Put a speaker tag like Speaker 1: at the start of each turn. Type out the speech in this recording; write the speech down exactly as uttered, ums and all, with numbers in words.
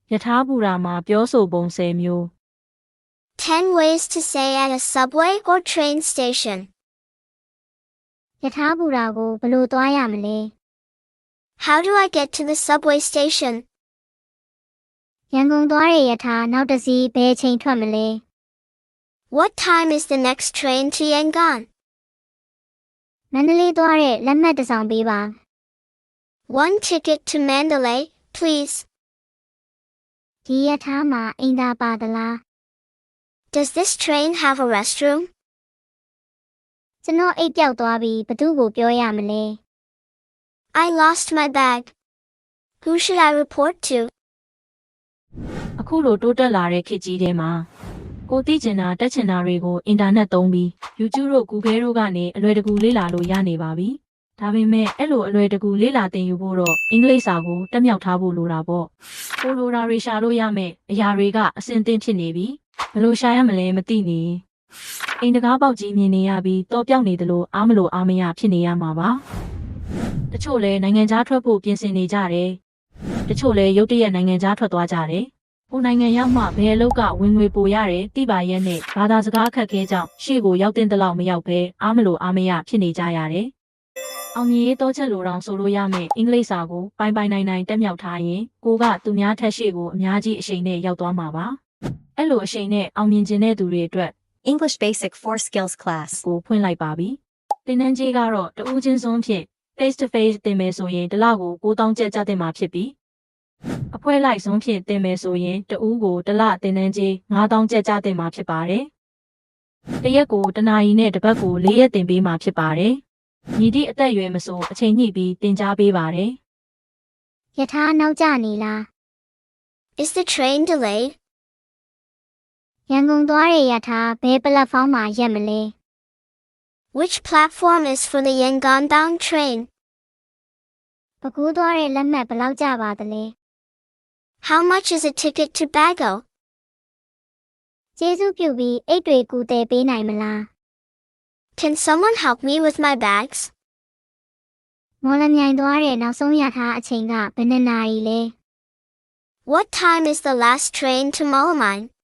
Speaker 1: ယထာဘူရာမှာပြောဆိုပုံ၁၀မျိုး
Speaker 2: ten ways to say at a subway or train station.
Speaker 3: ယထာဘူရာကိုဘယ်လိုသွားရမလဲ
Speaker 2: How do I get to the subway station?
Speaker 3: ရန်ကုန်သွားတဲ့ယထာနောက်တစ်စီးဘယ်အချိန်ထွက်မလဲ
Speaker 2: What time is the next train to Yangon?
Speaker 3: မန္တလေးသွားတဲ့လက်မှတ်တစ်စောင်ပေးပါ
Speaker 2: One ticket to Mandalay, please.
Speaker 3: ဒီယထာမှာအိမ်သာပါသလား
Speaker 2: Does this train have a restroom?
Speaker 3: ကျွန်တော်အိတ်ပြောက်သွားပြီးဘသူ့ကိုပြောရမလဲ
Speaker 2: I lost my bag. Who should I report to?
Speaker 1: အခုလိုတိုးတက်လာတဲ့ခေတ်ကြီးထဲမှာကိုသိကျင်တာတက်ချင်တာတွေကိုအင်တာနက်သုံးပြီး YouTube တို့ Google တို့ကနေအလွယ်တကူလေ့လာလို့ရနေပါပြီ။ဒါပေမဲ့အဲ့လိုအလွယ်တကူလေ့လာသင်ယူဖို့တော့အင်္ဂလိပ်စာကိုတက်မြောက်ထားဖို့လိုတာပေါ့။ကိုလိုရာတွေရှာလို့ရမယ်အရာတွေကအဆင်သင့်ဖြစ်နေပြီ။ဘယ်လိုရှာရမလဲမသိနေ။အိမ်တကားပေါက်ကြီးမြင်နေရပြီးတော့ပြောက်နေသလိုအားမလို့အားမရဖြစ်နေရမှာပါ။တချို့လည်းနိုင်ငံခြားထွက်ဖို့ပြင်ဆင်နေကြတယ်။တချို့လည်းရုတ်တရက်နိုင်ငံခြားထွက်သွားကြတယ်။ဟိုနိုင်ငံရောက်မှဘယ်အလုပ်ကဝင်ငွေပိုရတယ်တိပါရဲ့နဲ့ဘာသာစကားအခက်ခဲကြောင့်ရှေ့ကိုရောက်တဲ့လောက်မရောက်ပဲအားမလို့အားမရဖြစ်နေကြရတယ်။အောင်မြင်ရေးတော့ချက်လိုတောင်ဆိုလို့ရမယ်အင်္ဂလိပ်စာကိုပိုင်ပိုင်နိုင်နိုင်တက်မြောက်ထားရင်ကိုကသူများထက်ရှေ့ကိုအများကြီးအရှိန်နဲ့ရောက်သွားမှာပါ။အဲ့လိုအရှိန်နဲ့အောင်မြင်ခြင်းတဲ့သူတွေအတွက်
Speaker 4: English Basic four Skills Class
Speaker 1: ကိုဖွင့်လိုက်ပါပြီ။တင်နန်းကြီးကတော့တဦးချင်းစွန်းဖြင့် face to face တင်မယ်ဆိုရင်တစ်လကိုကိုးသောင်းကျပ်ကျတင်မှာဖြစ်ပြီးအဖွဲလိုက်ဆုံးဖြင့်တင်မယ်ဆိုရင်တဦးကိုတစ်လတင်နန်းကြီးငါးသောင်းကျပ်ကျတင်မှာဖြစ်ပါတယ်။တစ်ရက်ကိုတစ်နာရီနဲ့တစ်ပတ်ကိုလေးရက်တင်ပေးမှာဖြစ်ပါတယ်။ညီတိအသက်အရွယ်မဆိုအချိန်ညှိပြီးတင် जा ပေးပါတယ်
Speaker 3: ယထာနောက်ကျနေလား
Speaker 2: Is the train delayed?
Speaker 3: ရန်ကုန်သွားတဲ့ယထာဘယ်ပလက်ဖောင်းမှာရက်မလဲ
Speaker 2: Which platform is for the Yangon bound train?
Speaker 3: ပဲခူးသွားတဲ့လက်မှတ်ဘယ်လောက်ကျပါသလဲ
Speaker 2: How much is a ticket to Bago?
Speaker 3: ကျေးဇူးပြုပြီးအိတ်တွေကူတယ်ပေးနိုင်မလား
Speaker 2: Can someone help me with my bags?
Speaker 3: မော်လမြိုင်သွားတဲ့နောက်ဆုံးယထာအချိန်ကဘယ်နှစ်နာရီလဲ
Speaker 2: What time is the last train to Molamine?